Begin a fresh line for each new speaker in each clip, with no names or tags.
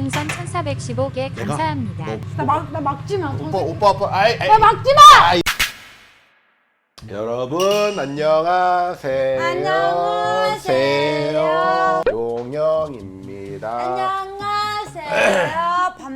별풍선 1415개 감사합니다.
나 막지 마.
오빠 아이
나 막지 마.
여러분 안녕하세요.
안녕하세요.
용영입니다.
안녕하세요.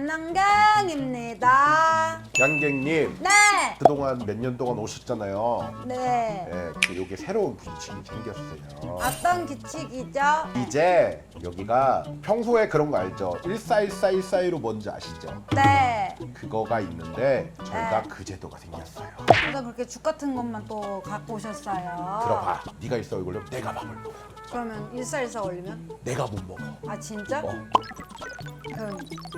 밤남경입니다.
양갱님
네.
그동안 몇 년 동안 오셨잖아요.
네.
네, 요게 새로운 규칙이 생겼어요.
어떤 규칙이죠?
이제 여기가 평소에 그런 거 알죠? 14141415 뭔지 아시죠?
네.
그거가 있는데 저희가
네.
그 제도가 생겼어요.
그래서 그렇게 죽 같은 것만 또 갖고 오셨어요.
들어봐. 네가 일사 걸리면 내가 밥을 먹어.
그러면 1414 올리면?
내가 못 먹어.
아 진짜? 그럼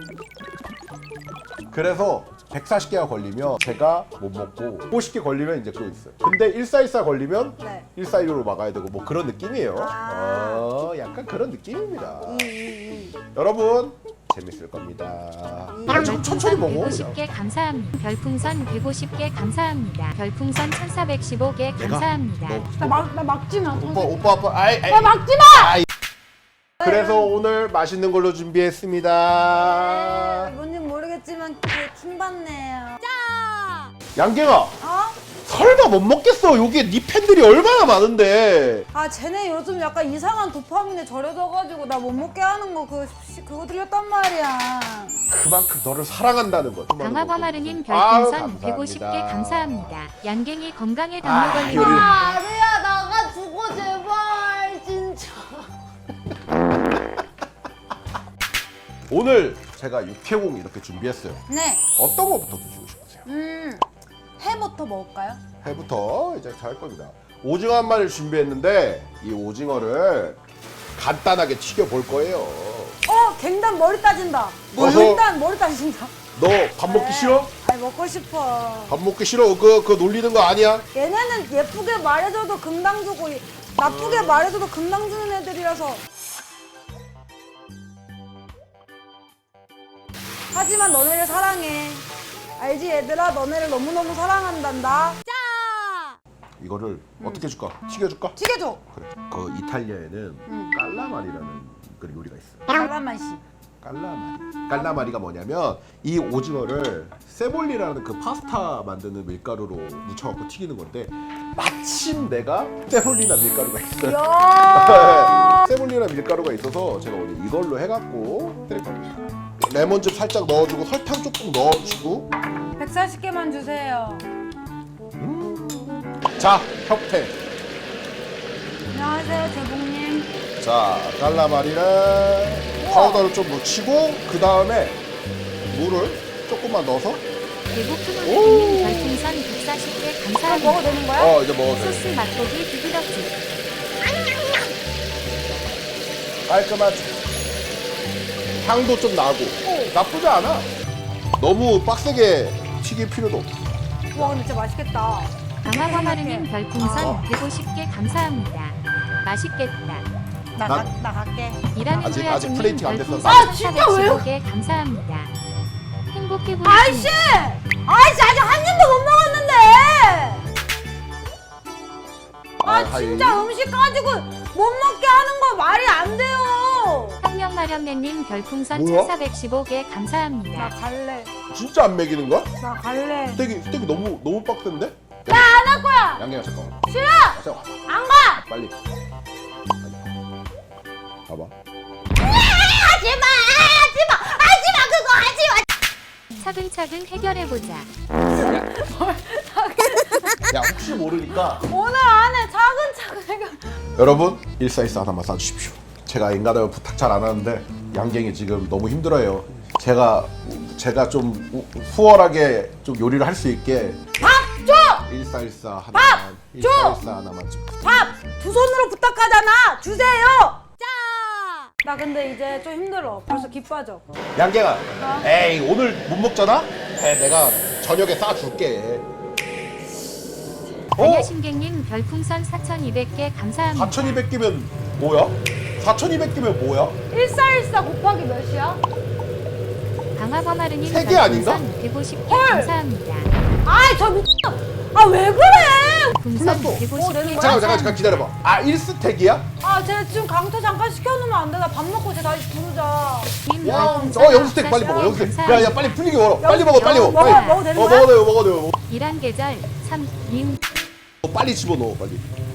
그래서 140개가 걸리면 제가 못 먹고 50개 걸리면 이제 그거 있어요. 근데 1414 걸리면
네.
1415로 막아야 되고 뭐 그런 느낌이에요.
아.
약간 그런 느낌입니다.
이.
여러분 재밌을 겁니다. 천천히 먹어.
150개 감사합니다. 별풍선 150개 감사합니다. 별풍선 1415개 감사합니다.
나 막지 마.
오빠 아이
나 막지 마.
그래서 오늘 맛있는 걸로 준비했습니다.
뭔지 모르겠지만 킹받네요.
양갱아
어?
설마 못 먹겠어. 여기에 네 팬들이 얼마나 많은데.
아 쟤네 요즘 약간 이상한 도파민에 절여져가지고 나 못 먹게 하는 거 그거 들렸단 말이야.
그만큼 너를 사랑한다는 거.
강화범아르님
아유,
별풍선
감사합니다.
150개 감사합니다. 양갱이 건강에 당뇨 걸리는
요리.
아루야 나가 죽어 제발 진짜.
오늘 제가 육회공 이렇게 준비했어요.
네.
어떤 거부터 드시고 싶으세요?
해부터 먹을까요?
회부터 이제 잘 겁니다. 오징어 한 마리를 준비했는데 이 오징어를 간단하게 튀겨 볼 거예요.
갱단 머리 따진다.
어서.
갱단 머리 따진다.
너 밥 먹기 싫어?
아니 먹고 싶어.
밥 먹기 싫어? 그거 놀리는 거 아니야?
얘네는 예쁘게 말해줘도 금방 주고 나쁘게 말해줘도 금방 주는 애들이라서. 하지만 너네를 사랑해. 알지 얘들아? 너네를 너무너무 사랑한단다.
이거를 어떻게 줄까? 튀겨줄까?
튀겨줘.
그래. 그 이탈리아에는 깔라마리라는 그 요리가 있어요.
갈라맛이.
깔라마리가 뭐냐면 이 오징어를 세볼리라는 그 파스타 만드는 밀가루로 묻혀갖고 튀기는 건데 마침 내가 세볼리나 밀가루가 있어요.
야.
세볼리나 밀가루가 있어서 제가 오늘 이걸로 해갖고 드릴 겁니다. 레몬즙 살짝 넣어주고 설탕 조금 넣어주고
140개만 주세요.
자 협회.
안녕하세요 제복님.
자 깔라마리를 파우더를 좀 묻히고 그 다음에 물을 조금만 넣어서
대구크모님 별풍선 140개 감사합니다.
먹어도 되는 거야?
이제 먹어도 돼.
소스 맛보기 비비덕지.
깔끔하지. 향도 좀 나고 나쁘지 않아. 너무 빡세게 튀길 필요도 없어.
와 근데 진짜 맛있겠다.
강화범아르님 별풍선 150개 감사합니다. 맛있겠다.
나 갈게.
이라는
아직
후야주님
플레이팅 안 됐어.
별풍선
아, 진짜 왜요?
415개 감사합니다. 행복해
아이씨!
보이십니다.
아이씨 아직 한 입도 못 먹었는데! 진짜 음식 가지고 못 먹게 하는 거 말이 안 돼요!
혁명마련매님 별풍선
뭐야?
1415개
나
감사합니다.
갈래.
진짜 안 먹이는 거야?
나 갈래.
스테이크 너무 빡센데?
나 안 할 거야!
양갱아 잠깐만.
싫어!
잠깐만.
안 가!
빨리. 봐봐.
하지마! 하지마! 하지마! 그거 하지마!
차근차근 해결해보자.
야 혹시 모르니까
오늘 안에 차근차근 해결.
여러분 1414 하나만 싸주십시오. 제가 인간을 부탁 잘 안 하는데 양갱이 지금 너무 힘들어요. 제가 좀 수월하게 좀 요리를 할 수 있게
밥 줘!
1414 하나만
밥 줘!
1414 하나만 좀.
밥! 두 손으로 부탁하잖아! 주세요! 나 근데 이제 좀 힘들어. 벌써 기 빠져.
양갱아 에이 오늘 못 먹잖아? 내가 저녁에 싸줄게.
안녕신객님 별풍선 4200개 감사합니다.
4200개면 뭐야? 4200개면 뭐야?
1414 곱하기 몇이야?
방아버마르님
세개 아닌가?
150개
헐!
감사합니다.
아이 저 미친. 아 왜 그래?
풍선
끝났어.
150개
되는 거야?
잠깐
감사합니다.
기다려봐. 아 1스택이야?
아 쟤 지금 강퇴 잠깐 시켜놓으면 안 돼. 나 밥 먹고 쟤 다시 부르자.
님
와,
별풍선
0스택 빨리 먹어. 0스택.
감사합니다.
야 빨리 풀리게 걸어. 빨리 먹어. 빨리 먹어.
먹어,
빨리.
먹어도 되는 거야?
먹어도 돼요.
이란 계절 3님
빨리 집어넣어 빨리.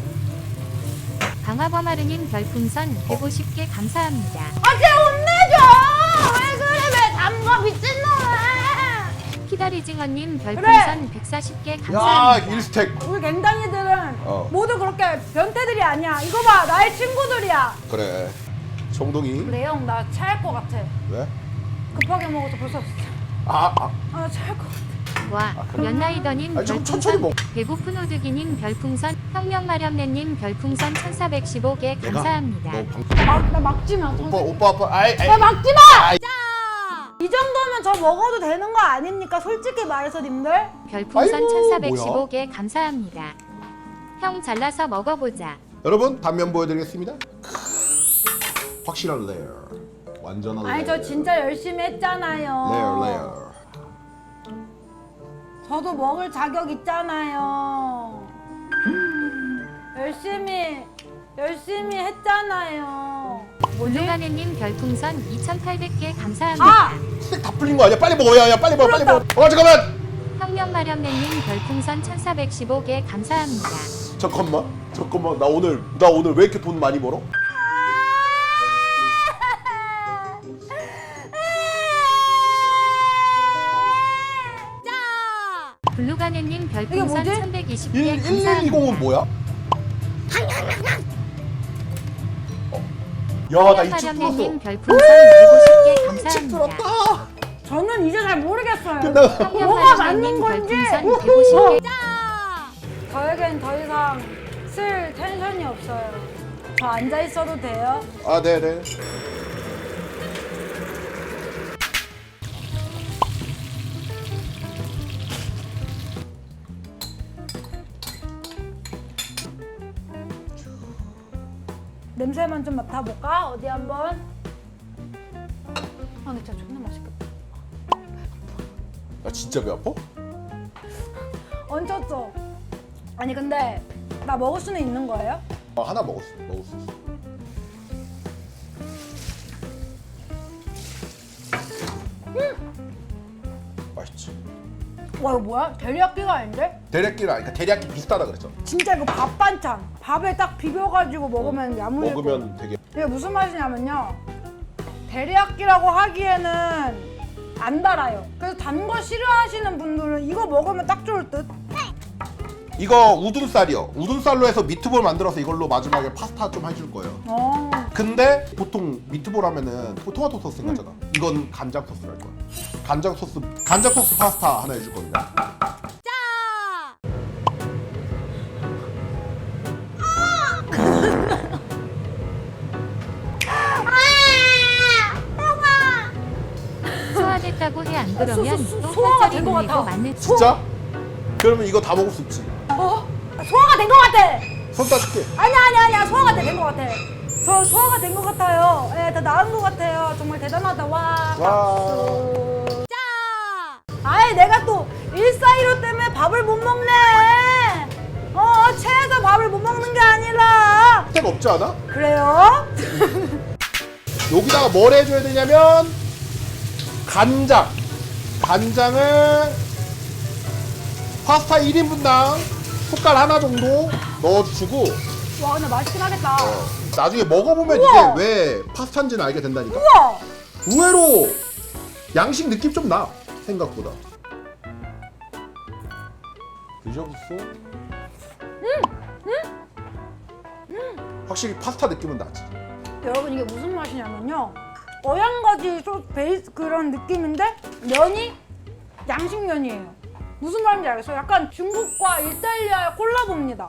방아버마르님 별풍선 150개 감사합니다.
아 쟤 혼내줘. 왜 그래? 왜 담가 미친놈아.
키다리징어님 별풍선 140개
야
감사합니다.
1스택.
우리 갱단이들은
어.
모두 그렇게 변태들이 아니야. 이거 봐, 나의 친구들이야.
그래. 정동이.
그래 형, 나 체할 것 같아.
왜?
급하게 먹어서 벌써
아.
나 체할 것 같아.
와, 연나이더님
아니, 좀 천천히
별풍선
먹-
배고픈 오드기님 별풍선 혁명마렴네님 별풍선 1415개 감사합니다.
너 방...
나 막지 마.
오빠. 아이.
나 막지 마.
아이.
이 정도면 저 먹어도 되는 거 아닙니까? 솔직히 말해서 님들.
별풍선
아이고,
1415개 감사합니다. 형 잘라서 먹어보자.
여러분 단면 보여드리겠습니다. 확실한 레어. 완전한
아니
레어.
저 진짜 열심히 했잖아요.
레어.
저도 먹을 자격 있잖아요. 열심히 했잖아요. 뭐지?
올루가네님 별풍선 2800개 감사합니다.
아!
스택 다 풀린 거 아니야? 빨리 먹어. 야 빨리 먹어.
풀렸다.
잠깐만.
혁명마렴네님 별풍선 1415개 감사합니다.
잠깐만. 나 오늘 왜 이렇게 돈 많이 벌어?
블루가네님 별풍선
뭐지?
1120개 감사합니다.
1120은 뭐야? 야, 나 이집
혁명마렴네님
풀었어.
별풍선 150개
이집
감사합니다.
풀었다.
저는 이제 잘 모르겠어요.
끝나.
뭐가 맞는
혁명마렴네님
건지.
별풍선 150개
저에겐 더 이상 쓸 텐션이 없어요. 저 앉아 있어도 돼요?
아, 네.
냄새만 좀 맡아볼까? 어디 한번? 근데 진짜 존나 맛있겠다.
나 진짜 배 아파?
얹혔죠? 아니 근데 나 먹을 수는 있는 거예요?
하나 먹을 수 있어. 맛있지.
와 이거 뭐야? 데리야끼가 아닌데?
대략기랑 그러니까 대략기 비슷하다 그랬죠.
진짜 이거 밥 반찬 밥에 딱 비벼가지고 먹으면 야무질 거.
먹으면 되게
이게 무슨 맛이냐면요 데리야끼라고 하기에는 안 달아요. 그래서 단 거 싫어하시는 분들은 이거 먹으면 딱 좋을 듯.
이거 우둔살이요. 우둔살로 해서 미트볼 만들어서 이걸로 마지막에 파스타 좀 해줄 거예요. 근데 보통 미트볼 하면은 토마토 소스 생각하잖아. 이건 간장 소스를 할 거야. 간장 소스 파스타 하나 해줄 겁니다.
소화됐다고 해 안 그러면 또
소화가
살짝이
된것
돌리고
같아.
맞는
진짜? 그러면 이거 다 먹을 수 있지.
소화가 된 것 같아.
손 따줄게.
아니야 소화가 된 것 같아. 저 소화가 된 것 같아요. 예, 다 나은 것 같아요. 정말 대단하다. 와.
와.
아이 내가 또 1415 때문에 밥을 못 먹네. 체해서 밥을 못 먹는 게 아니라.
스택 없지 않아?
그래요?
여기다가 뭘 해줘야 되냐면 간장을 파스타 1인분당 숟갈 하나 정도 넣어주시고
와 근데 맛있긴 하겠다.
나중에 먹어보면
우와!
이게 왜 파스타인지는 알게 된다니까.
우와.
의외로 양식 느낌 좀 나 생각보다. 드셔보소. 확실히 파스타 느낌은 나지.
여러분 이게 무슨 맛이냐면요. 어양가지 베이스 그런 느낌인데 면이 양식면이에요. 무슨 말인지 알겠어요? 약간 중국과 이탈리아의 콜라보입니다.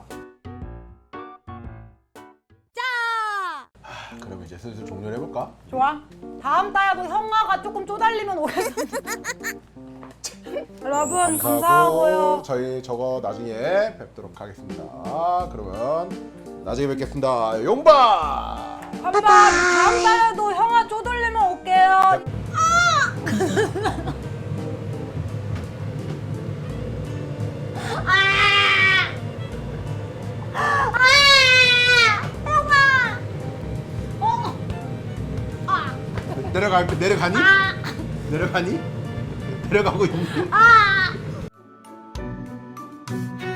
그럼 이제 슬슬 종료를 해볼까?
좋아. 다음 달에도 형아가 조금 쪼달리면 오겠습니다. 여러분 감사하고요.
저희 저거 나중에 뵙도록 하겠습니다. 그러면 나중에 뵙겠습니다. 용바!
다음 달에도 형아 쪼들리면 올게요.
내려가니? 내려가니? 내려가고 있니?